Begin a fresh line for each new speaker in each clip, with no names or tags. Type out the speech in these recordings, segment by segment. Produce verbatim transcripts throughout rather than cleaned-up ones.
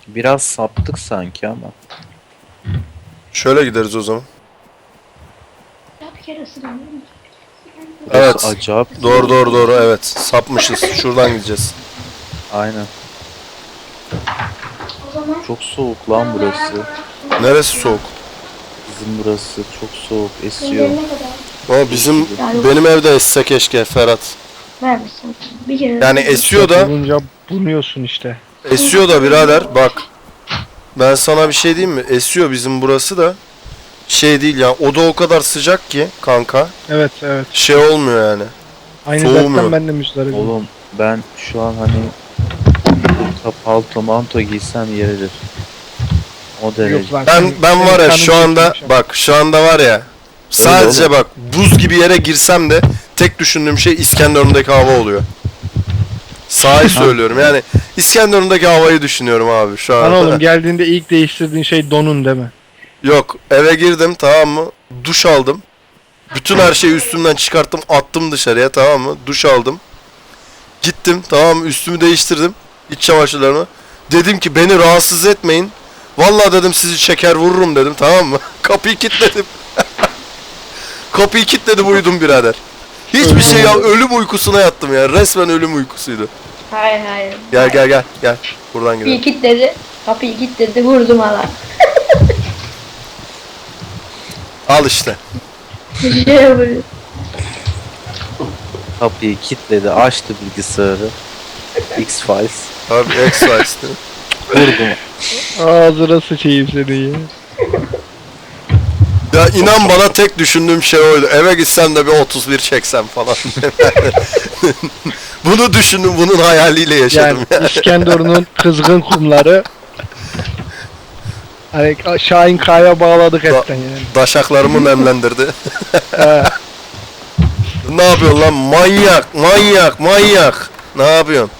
Biraz saptık sanki ama.
Şöyle gideriz o zaman.
Bir kere ısırıyorum.
Evet.
Burası acayip.
Doğru doğru doğru evet. Sapmışız. Şuradan gideceğiz.
Aynen.
O zaman
Çok soğuk lan burası.
Neresi soğuk?
Bizim burası çok soğuk. Esiyor.
ellerine kadar
Ama bizim benim evde esse keşke Ferhat.
vermişsin. Bir kere.
Yani esiyor da
Olunca bunuyorsun işte.
esiyor da birader bak. Ben sana bir şey diyeyim mi? Esiyor bizim burası da. Şey değil ya. Oda o kadar sıcak ki kanka.
Evet evet.
Şey olmuyor yani.
Aynı
Soğumuyor.
dertten ben de müzdaribim.
Oğlum ben şu an hani burada palto manto giysem yeridir. O derece.
Yok lan,
Ben
senin-
ben
senin
var ya
kanın
şu anda
çekilmiş ama.
bak şu anda var ya sadece
oğlum.
bak buz gibi yere girsem de tek düşündüğüm şey İskenderun'daki hava oluyor. Sahi söylüyorum yani İskenderun'daki havayı düşünüyorum abi şu
Lan
an.
oğlum geldiğinde ilk değiştirdiğin şey donun değil mi?
Yok eve girdim tamam mı? Duş aldım. Bütün her şeyi üstümden çıkarttım attım dışarıya tamam mı? Duş aldım. Gittim tamam mı? Üstümü değiştirdim. İç çamaşırlarımı. Dedim ki beni rahatsız etmeyin. Vallahi dedim sizi çeker vururum dedim tamam mı? Kapıyı kilitledim. Kapıyı kilitledim uyudum birader. Hiçbir şey ya ölüm uykusuna yattım ya. Resmen ölüm uykusuydu.
Hayır hayır.
Gel gel gel gel. Buradan
Kapıyı
gidelim.
kilitledi. Kapıyı kilitledi vurdum hala.
Al işte.
Bir şey yapıyor.
Kapıyı kilitledi, açtı bilgisayarı. X-Files.
Abi X-Files'ti.
Vurdum.
Ağzına sıçayım seni ya.
Ya inan bana tek düşündüğüm şey oydu. Eve gitsem de bir otuz bir çeksem falan. Bunu düşündüm, bunun hayaliyle yaşadım
Yani
yani.
İskenderun'un kızgın kumları. Hani Şahin Kaya bağladık etten yani.
Daşaklarımı nemlendirdi.
He.
Ne yapıyorsun lan? Manyak, manyak, manyak. Ne yapıyorsun?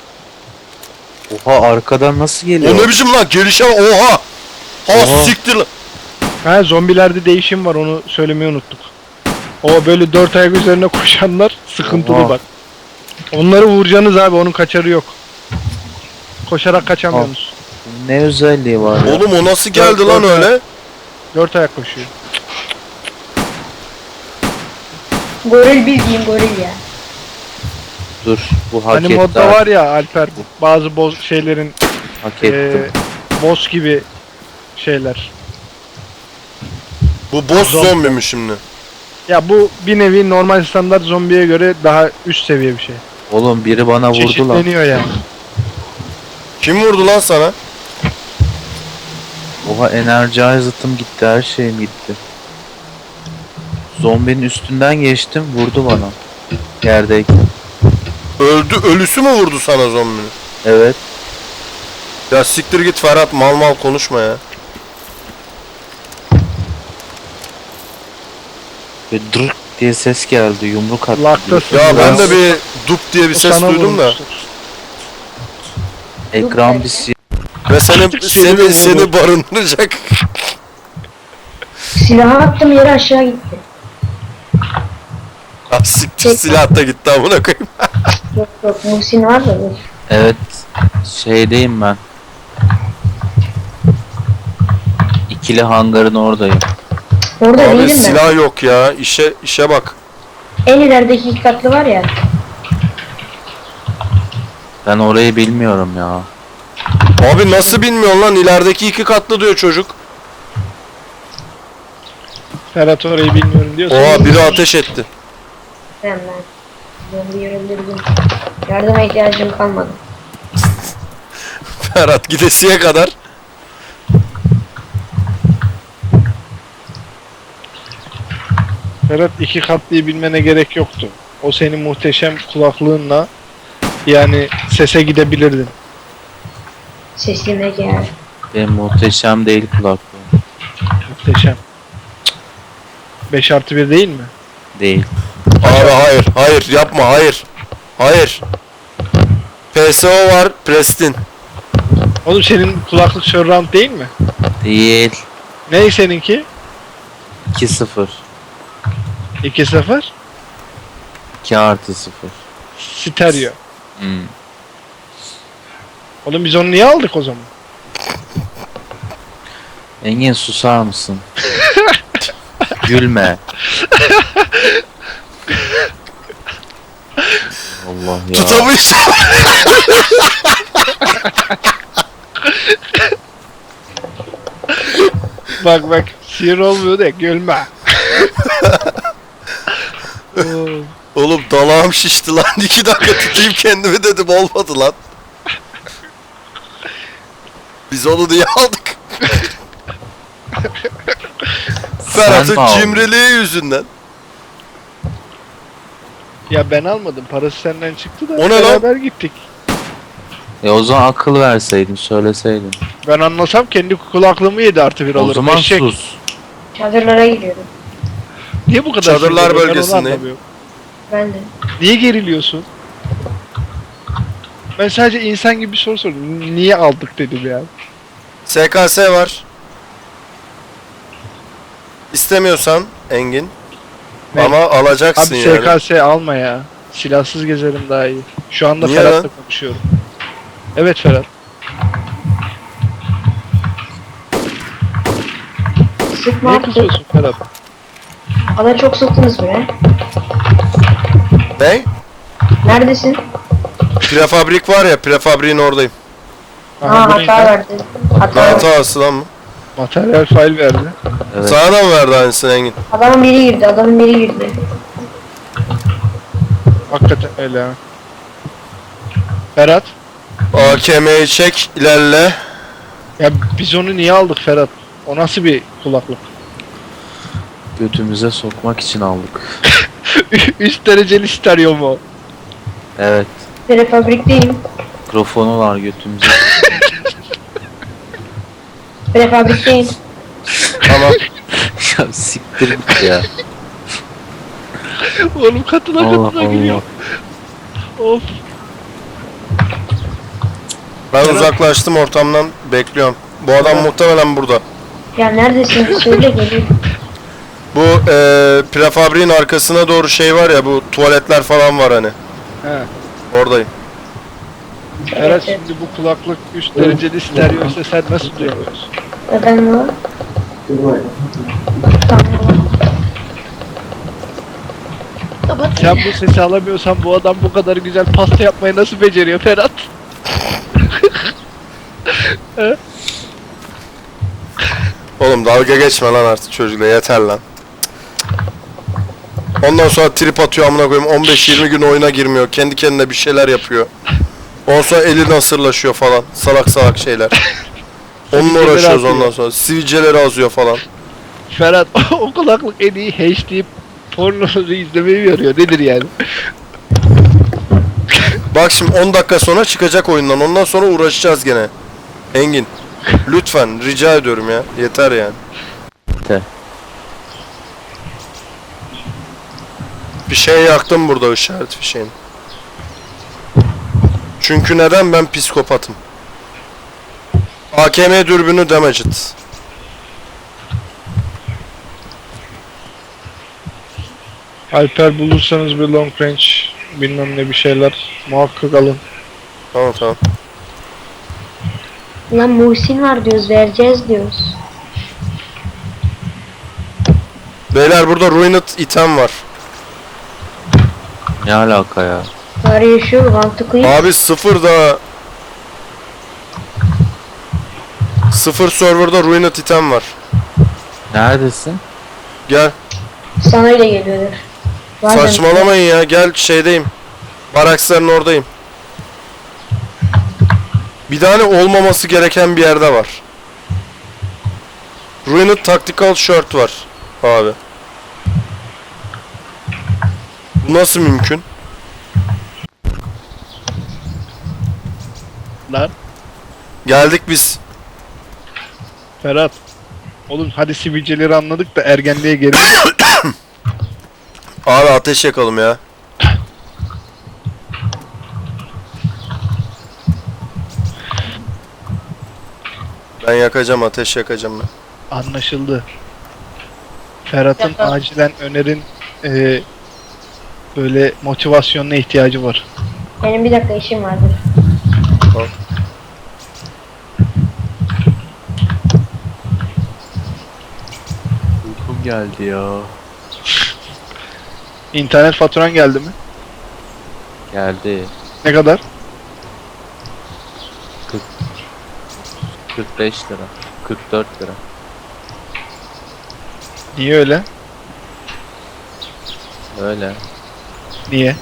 Oha arkadan nasıl
O
geliyor?
ne biçim lan? Gelişe oha. Ha
Oha.
siktir lan.
Ha, zombilerde değişim var, onu söylemeyi unuttuk. O böyle dört ayak üzerine koşanlar sıkıntılı
Oha.
bak. Onları vuracaksınız abi, onun kaçarı yok. Koşarak kaçamıyorsunuz.
Ne özelliği var ya?
Oğlum o nasıl geldi
Dört-
lan
dört
öyle?
Dört ayak koşuyor.
Goril bildiğin goril ya.
Dur bu hak
Hani
etti.
modda
abi.
var ya Alper, bazı boz şeylerin
Hak
eee
ettim.
boss gibi şeyler.
Bu boss
Zombi.
zombi mi şimdi?
Ya bu bir nevi normal standart zombiye göre daha üst seviye bir şey.
Oğlum biri bana vurdu lan.
Çeşitleniyor yani.
Kim vurdu lan sana?
Oha enerji zıtım gitti, her şeyim gitti. Zombinin üstünden geçtim, vurdu bana. Yerdeyken.
Öldü, ölüsü mü vurdu sana zombinin?
Evet.
Ya siktir git Ferhat, mal mal konuşma ya.
Ve dırk diye ses geldi, yumruk attı.
Laktasın.
Ya ben
Ya.
de bir dup diye bir
O
ses
sana
duydum da.
vurmuştur.
Ekran bir si-
Ve seni
Seni
seni
vurdu.
seni barındıracak.
Silahı attım yere aşağı gitti.
Ah siktir silah da gitti amına koyayım.
Yok yok Muhsin var da dur.
Evet. Şeydeyim ben. İkili hangarın oradayım.
Orada
Abi
değilim ben.
silah yok ya. İşe işe bak.
En ilerideki iki katlı var ya.
Ben orayı bilmiyorum ya.
Abi nasıl bilmiyorsun lan, ilerideki iki katlı diyor çocuk.
Ferhat orayı bilmiyorum diyorsun.
Oha biri ateş etti.
Ben ben. Zombiyi öldürdüm. Yardıma ihtiyacım kalmadı.
Ferhat gidesiye kadar.
Ferhat iki katlıyı bilmene gerek yoktu. O senin muhteşem kulaklığınla yani sese gidebilirdin.
Sesime gel.
Benim muhteşem değil kulaklığım.
Muhteşem. beş artı bir değil mi?
Değil.
Abi hayır hayır yapma hayır. Hayır. P S O var Prestin.
Oğlum senin kulaklık surround değil mi?
Değil.
Ney seninki?
iki sıfır.
iki sıfır.
iki artı sıfır.
Stereo.
Hmm.
Oğlum biz onu niye aldık o zaman?
Engin susar mısın? Gülme. Allah ya.
Tutamış.
Bak bak sinir olmuyor da gülme. Oo,
Oğlum dalağım şişti lan. iki dakika tutayım kendimi dedim, olmadı lan. Biz onu niye aldık? Ferhat'ın
mi aldın?
cimriliği yüzünden.
ya ben almadım, parası senden çıktı da
O ne lan?
beraber gittik.
E o zaman akıl verseydin, söyleseydin.
Ben anlasam kendi kulaklığımı yedi artı bir
O
alırım.
zaman
Eşek.
sus.
Çadırlara gidiyorum.
Niye bu kadar
Çadırlar
sinirli? Ben onu
bölgesindeyim.
anlamıyorum.
Ben de.
Niye geriliyorsun? Ben sadece insan gibi bir soru sordum. Niye aldık dedim ya.
S K S var. İstemiyorsan Engin.
Ne?
Ama alacaksın
Abi
yani.
S K S alma ya. Silahsız gezerim daha iyi. Şu anda
Niye
Ferhat'la
lan?
konuşuyorum. Evet Ferhat.
Sıkma
Niye
artık.
kızıyorsun Ferhat?
Bana çok sıktınız bre.
Ne?
Neredesin?
Prefabrik var ya, prefabriğin oradayım.
Aa
bu neydi?
hata verdi. Hata verdi.
Hatası lan mı?
Materyal file verdi.
Evet.
Sana da mı verdi aynısını Engin?
Adamın biri girdi. Adamın biri girdi.
Hakikaten öyle ha. Ferhat.
A K M'yi çek, ilerle.
Ya biz onu niye aldık Ferhat? O nasıl bir kulaklık?
Götümüze sokmak için aldık.
Üst dereceli stereo mu?
Evet.
Prefabrikteyim.
Mikrofonu var götümüze.
Prefabrikteyim.
Tamam.
Ya siktir git ya.
Oğlum katına
Allah
katına geliyor.
Allah.
Of.
Ben
Ferhat.
uzaklaştım ortamdan, bekliyorum. Bu adam
Ferhat.
muhtemelen burada.
Ya neredesin? Söyle geliyorum.
Bu e, prefabriğin arkasına doğru şey var ya, bu tuvaletler falan var hani.
He.
Oradayım.
Ferhat
Evet, evet.
şimdi bu kulaklık üst dereceli stereo ise sen nasıl duyuyorsun?
Neden bu? Tamam. Kapat.
Sen bu sesi alamıyorsan bu adam bu kadar güzel pasta yapmayı nasıl beceriyor Ferhat?
Oğlum dalga geçme lan artık çocukla, yeter lan. Ondan sonra trip atıyor amına koyayım, on beş yirmi gün oyuna girmiyor. Kendi kendine bir şeyler yapıyor. Ondan sonra eli nasırlaşıyor falan. Salak salak şeyler. Onunla
Sivilceleri
uğraşıyoruz
atıyor.
ondan sonra. Sivilceleri azıyor falan.
Ferhat o kulaklık en iyi H D pornoları izlemeyi yarıyor. Nedir yani?
Bak şimdi on dakika sonra çıkacak oyundan. Ondan sonra uğraşacağız gene. Engin. Lütfen rica ediyorum ya. Yeter yani.
Yeter.
Bir şey yaktım burada, işaret fişeğini. Çünkü neden? Ben psikopatım. A K M dürbünü damaged.
Alper bulursanız bir long range bilmem ne bir şeyler muhakkak alın.
Tamam tamam.
Lan Muhsin var diyoruz. Vereceğiz diyoruz.
Beyler burada ruined item var.
Ne alaka ya?
Bari yaşıyor. Mantıklı.
Abi sıfır da... Sıfır serverda ruined item var.
Neredesin?
Gel.
Sana öyle geliyordur. Bazen-
Saçmalamayın ya. Gel şeydeyim. Baraksların oradayım. Bir tane olmaması gereken bir yerde var. Ruined Tactical Shirt var. Abi. Bu nasıl mümkün?
Lan
Geldik biz.
Ferhat. Oğlum hadi sivilceleri anladık da ergenliğe geri.
Abi ateş yakalım ya. Ben yakacağım, ateş yakacağım ben.
Anlaşıldı. Ferhat'ın
Yapalım.
acilen önerin eee böyle motivasyonuna ihtiyacı var.
Benim bir dakika işim vardır.
geldi ya.
İnternet faturan geldi mi?
Geldi.
Ne kadar?
kırk beş lira. kırk dört lira.
Niye öyle?
Öyle.
Niye?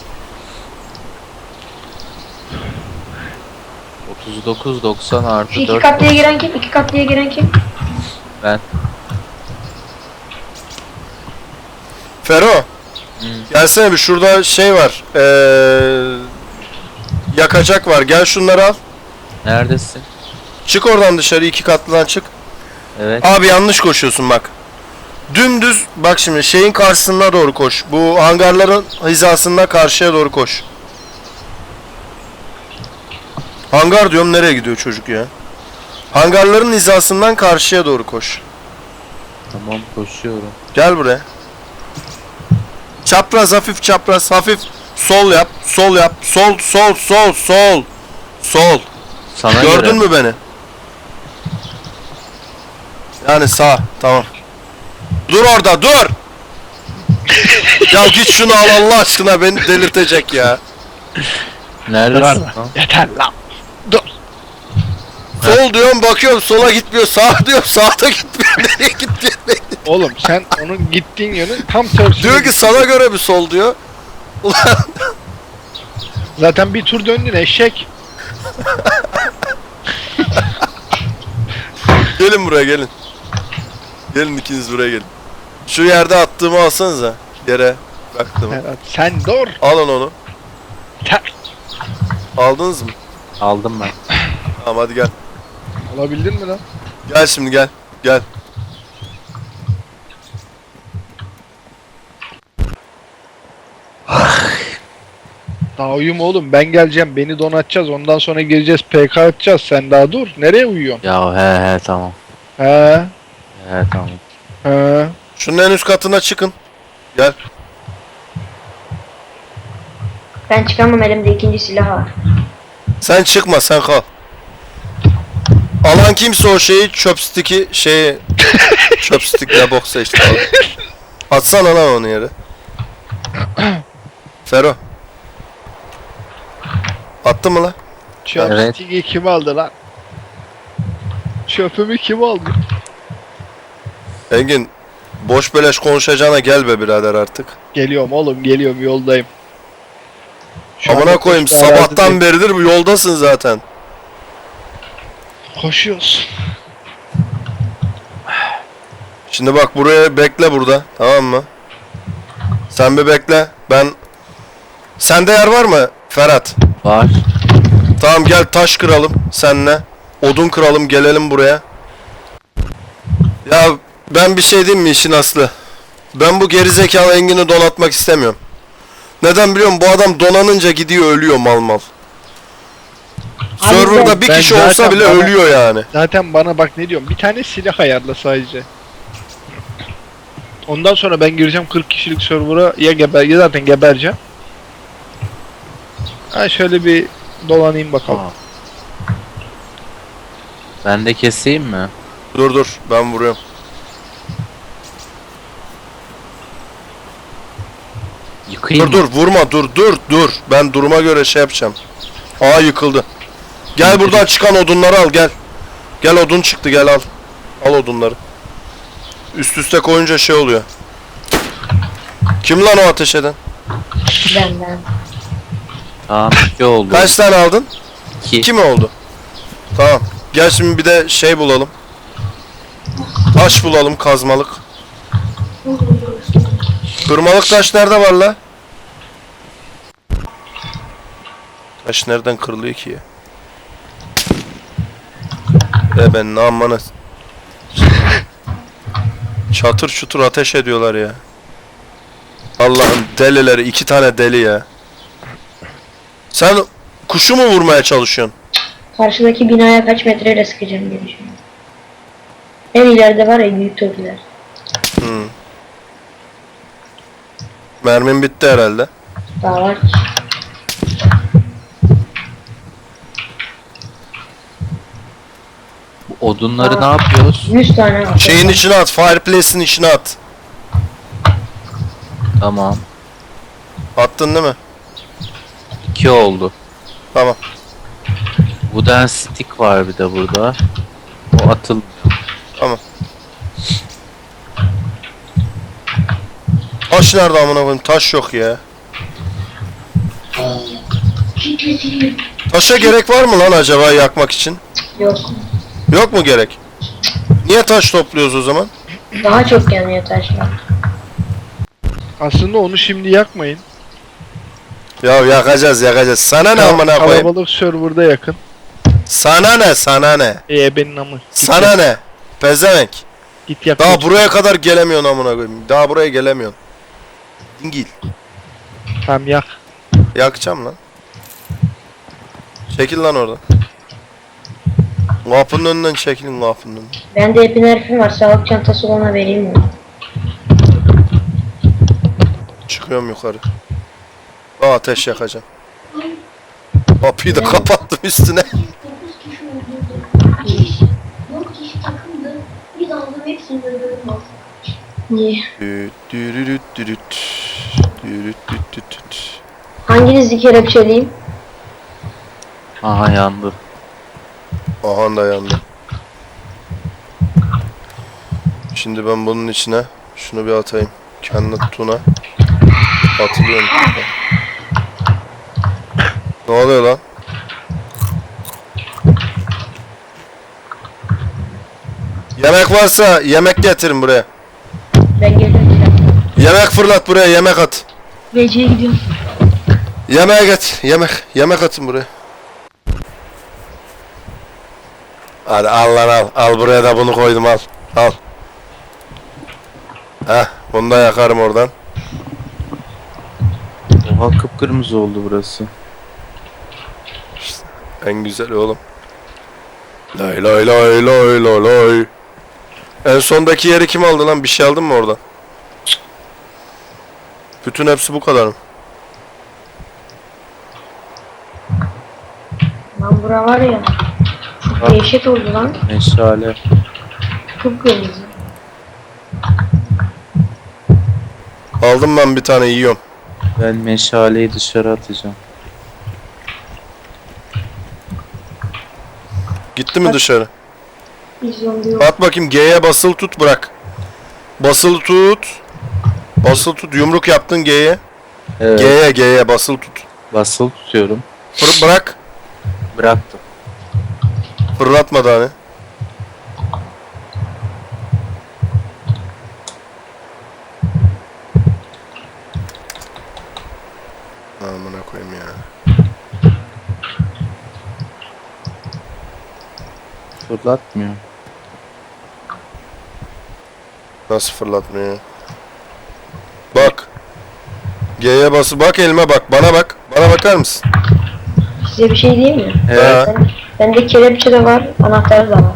otuz dokuz doksan artı
Şu iki
dört.
katlıya giren kim? İki katlıya giren kim?
Ben.
Fero.
Hı.
Gelsene bir, şurada şey var. Ee, yakacak var. Gel şunları al.
Neredesin?
Çık oradan dışarı, iki katlıdan çık.
Evet.
Abi yanlış koşuyorsun bak. Dümdüz bak şimdi şeyin karşısına doğru koş. Bu hangarların hizasında karşıya doğru koş. Hangar diyorum, nereye gidiyor çocuk ya? Hangarların hizasından karşıya doğru koş.
Tamam, koşuyorum.
Gel buraya. Çapraz, hafif çapraz, hafif sol yap, sol yap, sol, sol, sol, sol, sol.
Sana
Gördün
göre.
mü beni? Yani sağ, tamam. Dur orada, dur! Ya git şunu al Allah aşkına, beni delirtecek ya.
Neredesin
Karar
lan?
Yeter lan. Dur.
Sol diyorum, bakıyorum sola gitmiyor, sağ diyorum sağda gitmiyor, nereye gitmiyor?
Oğlum sen onun gittiğin yönün tam tersine.
Diyor ki sana göre bir sol diyor. Ulan
Zaten bir tur döndün eşek.
gelin buraya, gelin. Gelin ikiniz buraya gelin. Şu yerde attığımı alsanıza. Yere bıraktım.
Ferhat, sen dur.
Alın onu.
Ter.
Aldınız mı?
Aldım ben.
Tamam hadi gel.
Alabildin mi lan?
Gel şimdi gel. Gel.
Daha uyuma oğlum, ben geleceğim, beni donatacağız, ondan sonra gireceğiz, P K atacağız, sen daha dur. Nereye uyuyorsun?
Ya he he tamam.
He
He tamam.
he.
Şunun en üst katına çıkın. Gel.
Ben çıkamam, elimde ikinci silah var.
Sen çıkma, sen kal. Alan kimse o şeyi, chopstick'i şeyi chopstick ne boksa işte al. Atsana lan onu yere. Fero. Attı mı lan?
Chopstick'i kim aldı lan? Çöpümü kim aldı?
Engin, boş beleş konuşacağına gel be birader artık.
Geliyorum oğlum, geliyorum, yoldayım. Şu
Amına
anda
koyayım,
koşma
sabahtan
arazideyim.
beridir bu yoldasın zaten.
Koşuyoruz.
Şimdi bak buraya bekle burada, tamam mı? Sen bir bekle. Ben sende yer var mı Ferhat?
Var.
Tamam gel taş kıralım senle. Odun kıralım, gelelim buraya. Ya ben bir şey diyeyim mi işin aslı? Ben bu gerizekalı Engin'i donatmak istemiyorum. Neden biliyor musun? Bu adam donanınca gidiyor ölüyor mal mal.
Abi
Server'da bir
ben
kişi
zaten
olsa bile
bana-
ölüyor yani.
Zaten bana bak ne diyorum, bir tane silah ayarla sadece. Ondan sonra ben gireceğim kırk kişilik server'a, ya geber ya zaten gebereceğim. Ha şöyle bir dolanayım bakalım.
Aa. Ben de keseyim mi?
Dur dur ben vuruyorum.
Yıkayayım
Dur
mı?
dur vurma, dur dur dur. Ben duruma göre şey yapacağım. Aa yıkıldı. Gel buradan çıkan odunları al gel. Gel odun çıktı, gel al. Al odunları. Üst üste koyunca şey oluyor. Kim lan o ateş eden?
Benden.
Tamam, iki oldu.
Kaç tane aldın?
İki.
İki mi oldu? Tamam. Gel şimdi bir de şey bulalım. Taş bulalım, kazmalık. Kırmalık taş nerede var la? Taş nereden kırılıyor ki ya? E ben ne amına. Çatır çutur ateş ediyorlar ya. Allah'ın delileri, iki tane deli ya. Sen kuşu mu vurmaya çalışıyorsun?
Karşıdaki binaya kaç metreyle sıkacağım diye düşünüyorum. En ileride var ya büyük tokiler.
Hmm. Mermim bitti herhalde.
Daha var ki.
Odunları
Aa.
ne yapıyoruz?
yüz tane var.
Şeyin içine at, fireplace'in içine at.
Tamam.
Attın değil mi?
iki oldu.
Tamam.
Wooden stick var bir de burada. O atılmıyor.
Tamam. Taş nerede amına koyayım? Taş yok ya. Taşa gerek var mı lan acaba yakmak için?
Yok.
Yok mu gerek? Niye taş topluyoruz o zaman?
Daha çok yanıyor taşlar.
Aslında onu şimdi yakmayın.
Ya yakacağız yakacağız. Sana ne amına koyayım?
Kalabalık serverda yakın.
Sana ne sana ne?
E benim amı. Git
Sana
yak.
ne? Pezevenk.
Git yak.
Daha buraya kadar gelemiyorsun amına koyayım. Daha buraya gelemiyorsun. Dingil.
Tamam yak.
Yakacağım lan. Çekil lan oradan. Kapının önünden çekilin kapının önünden.
Bende epinerfim var. Sağlık çantası ona vereyim mi?
Çıkıyorum yukarı. Aa, ateş yakacağım. Kapıyı da kapattım üstüne.
dokuz kişi öldürdüm. İki kişi, dört kişi takımdı. Bir daldım hepsini öldürdüm aslında.
Niye?
Düt dürürüt dürüt. Dürüt düt düt düt.
Hanginizi kelepçeleyeyim?
Aha yandı.
Aha da yandı. Şimdi ben bunun içine şunu bir atayım. Kendi tuna. Atılıyorum. Ne oluyor lan? Yemek varsa yemek getirin buraya.
Ben geldim.
Yemek fırlat buraya, yemek at.
V C'ye gidiyorum.
Yemeğe get, yemek, yemek atın buraya. Hadi al lan al, al buraya da bunu koydum al, al. Heh, bunu da yakarım oradan.
Oha kıpkırmızı oldu burası.
En güzel oğlum. Lay lay lay lay lay lay. En sondaki yeri kim aldı lan? Bir şey aldın mı oradan? Cık. Bütün hepsi bu kadar mı?
Lan bura var ya. Çok dehşet oldu lan.
Meşale.
Kıpkırmızı.
Aldım ben bir tane yiyorum.
Ben meşaleyi dışarı atacağım.
Gitti mi
Bak.
dışarı?
Bir zombi yok.
At bakayım G'ye basılı tut bırak. Basılı tut. Basılı tut. Yumruk yaptın G'ye.
Evet.
G'ye G'ye basılı tut.
Basılı tutuyorum.
Fır bırak.
Bıraktım.
Fırlatma daha ne? Amına koyayım ya.
Fırlatmıyor.
Nasıl fırlatmıyor? Bak. G'ye bası bak elime bak. Bana bak. Bana bakar mısın?
Size bir şey diyeyim mi?
Evet.
Ha.
Ben, bende kelepçe de var. Anahtarı da var.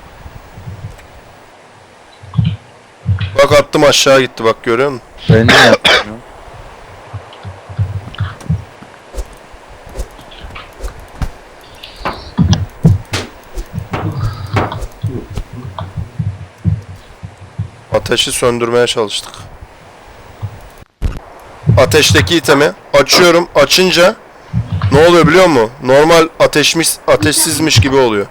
Bak attım aşağı gitti bak görüyor musun?
Ben ne yapıyorum?
Ateşi söndürmeye çalıştık. Ateşteki itemi açıyorum. Açınca ne oluyor biliyor musun? Normal ateşmiş, ateşsizmiş gibi oluyor.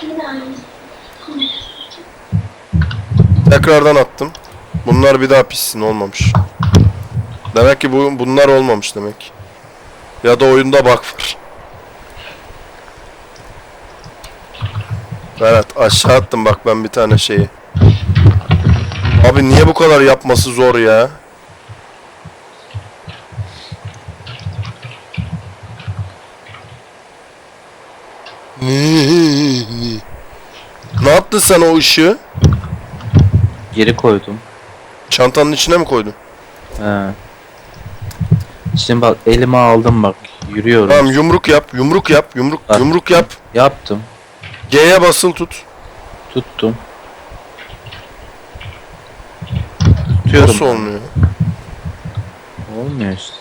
Tekrardan attım. Bunlar bir daha pişsin olmamış. Demek ki bu bunlar olmamış demek. Ya da oyunda bug var. Berat aşağı attım bak ben bir tane şeyi. Abi niye bu kadar yapması zor ya? Ne yaptın sen o ışığı?
Geri koydum.
Çantanın içine mi koydun?
He. Şimdi bak elime aldım bak. Yürüyorum.
Tamam yumruk yap, yumruk yap, yumruk,
Bak.
yumruk yap.
Yaptım.
G'ye basılı tut.
Tuttum. Tutuyorum.
Nasıl olmuyor?
Olmuyor işte.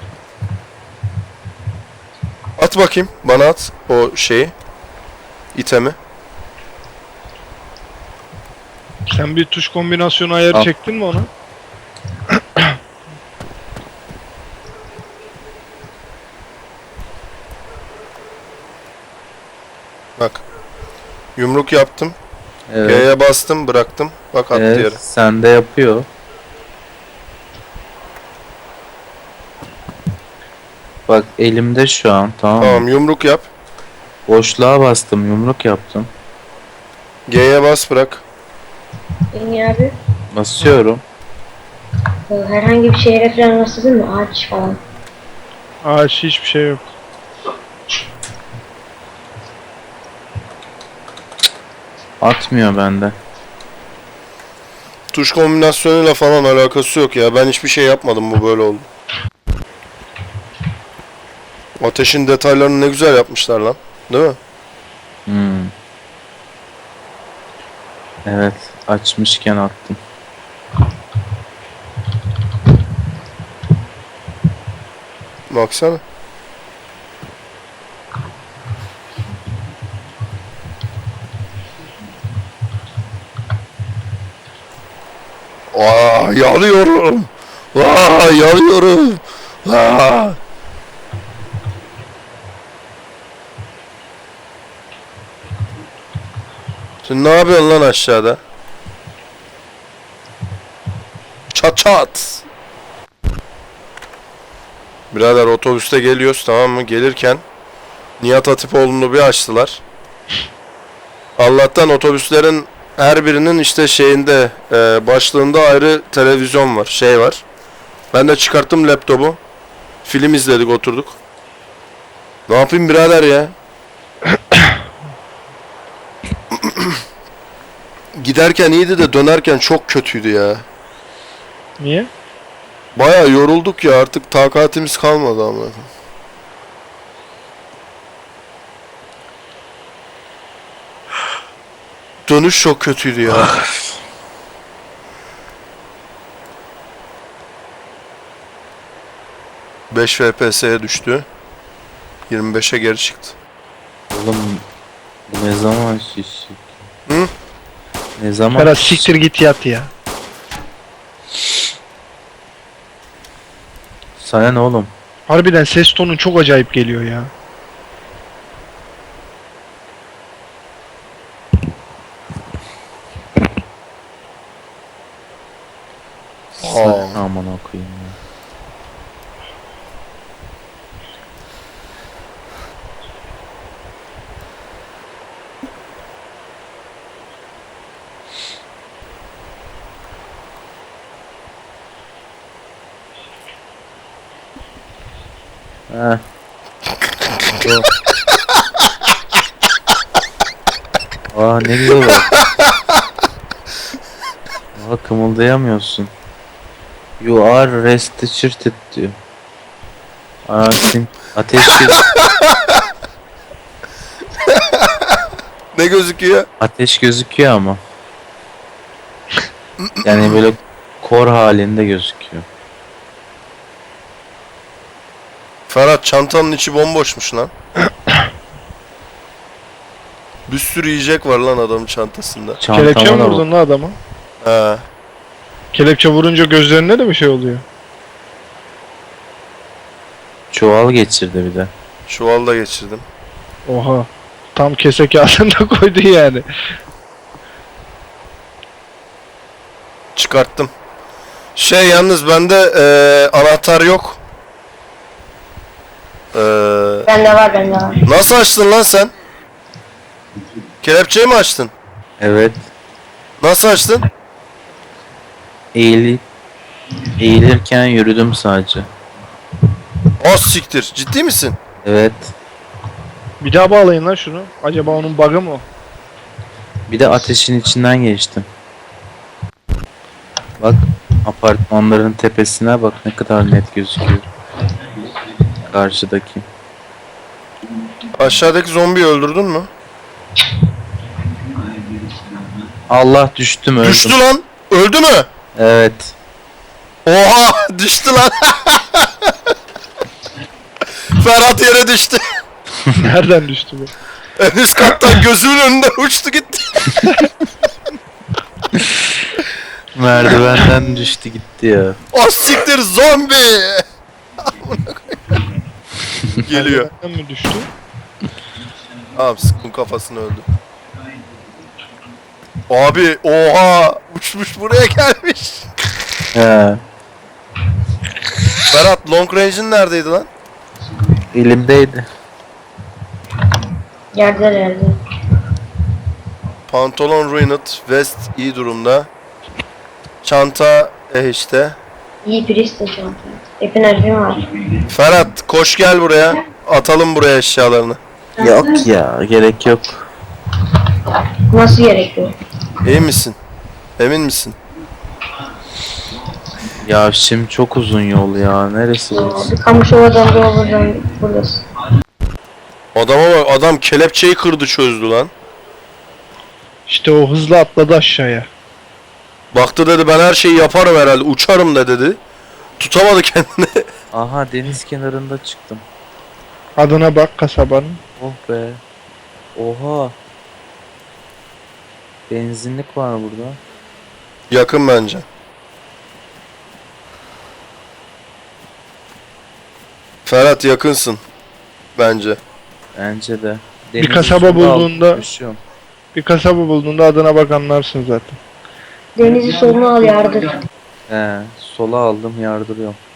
At bakayım, bana at o şeyi. İtemi.
Sen bir tuş kombinasyonu ayarı
Al.
çektin mi ona?
Bak. Yumruk yaptım.
Evet.
G'ye bastım bıraktım. Bak attı
Evet,
yere.
sende yapıyor. Bak elimde şu an, tamam mı?
Tamam yumruk yap.
Boşluğa bastım, yumruk yaptım.
G'ye bas bırak.
Engin abi.
Basıyorum.
e, Herhangi bir şeye referans rastladın mı? Ağaç falan.
Ağaç hiçbir şey yok.
Atmıyor bende.
Tuş kombinasyonuyla falan alakası yok ya. Ben hiçbir şey yapmadım, bu böyle oldu. Ateşin detaylarını ne güzel yapmışlar lan. Değil mi?
Hmm. Evet, açmışken attım.
Baksana. Aa, yanıyorum. Aa, yanıyorum. Aa. Sen ne yapıyorsun lan aşağıda? Çat çat. Birader otobüste geliyoruz, tamam mı? Gelirken Nihat Hatipoğlu'nu bir açtılar. Allah'tan otobüslerin her birinin işte şeyinde e, başlığında ayrı televizyon var, şey var. Ben de çıkarttım laptopu. Film izledik, oturduk. Ne yapayım birader ya? Giderken iyiydi de dönerken çok kötüydü ya.
Niye?
Bayağı yorulduk ya, artık takatimiz kalmadı ama. Dönüş çok kötüydü ya. beş F P S'ye düştü. yirmi beşe geri çıktı.
Oğlum bu ne zaman şişik?
Hı?
Ne zaman
Ferhat
şişik?
siktir git yat ya.
Sana ne oğlum?
Harbiden ses tonun çok acayip geliyor ya.
Sana aman okuyayım ya. Heh. Bu. Aa ne güzel bak. Aa kımıldayamıyorsun. You are restricted diyor. Aa sim ateş göz
Ne gözüküyor?
ateş gözüküyor ama. Yani böyle kor halinde gözüküyor.
Ferhat, çantanın içi bomboşmuş lan. Bir sürü yiyecek var lan adamın çantasında.
Kelepçe mi
Çantama da bak.
vurdun lan adama?
He.
Kelepçe vurunca gözlerine de bir şey oluyor.
Çuval geçirdi bir de.
Çuvalda geçirdim.
Oha. Tam kese kağıdında koydu yani.
Çıkarttım. Şey yalnız bende eee, anahtar yok. Eee,
Bende var bende var.
nasıl açtın lan sen? Kelepçeyi mi açtın?
Evet.
Nasıl açtın?
Eğilip eğilirken yürüdüm sadece.
Az siktir. Ciddi misin?
Evet.
Bir daha bağlayın lan şunu. Acaba onun bug'ı mı o?
Bir de ateşin içinden geçtim. Bak apartmanların tepesine bak ne kadar net gözüküyor. Karşıdaki.
Aşağıdaki zombiyi öldürdün mü?
Allah düştüm öldüm.
Düştü lan. Öldü mü?
Evet.
Oha düştü lan. Ferhat yere düştü.
Nereden düştü bu?
En üst kattan gözümün önünden uçtu gitti.
Merdivenden düştü gitti ya.
Az siktir zombi. Amına koyayım. Geliyor.
Nereden mi düştü?
Tamam sıktım kafasını öldü. Abi oha uçmuş buraya gelmiş.
He.
Berat long range'in neredeydi lan?
Elimdeydi.
Yerde yerde.
Pantolon ruined, vest iyi durumda. Çanta e işte.
İyi priest şu an. Hep enerjim var.
Ferhat koş gel buraya. Atalım buraya eşyalarını.
Yok ya, gerek yok.
Nasıl gerekiyor?
İyi misin? Emin misin?
Ya şimdi çok uzun yol ya. Neresi burası?
Bir Kamışova'dan da buradan buradasın.
Adama bak adam kelepçeyi kırdı çözdü lan.
İşte o hızlı atladı aşağıya.
Baktı dedi ben her şeyi yaparım herhalde uçarım da dedi. Tutamadı kendini.
Aha, deniz kenarında çıktım.
Adına bak kasabanın.
Oh be. Oha. Benzinlik var burada.
Yakın bence. Ferhat yakınsın. Bence.
Bence de.
Bir
Deniz
kasaba
üstünde aldım,
bulduğunda-
koşuyorum.
Bir kasaba bulduğunda adına bak anlarsın zaten.
Denizi soluna al yardır.
He, sola aldım, yardırıyorum.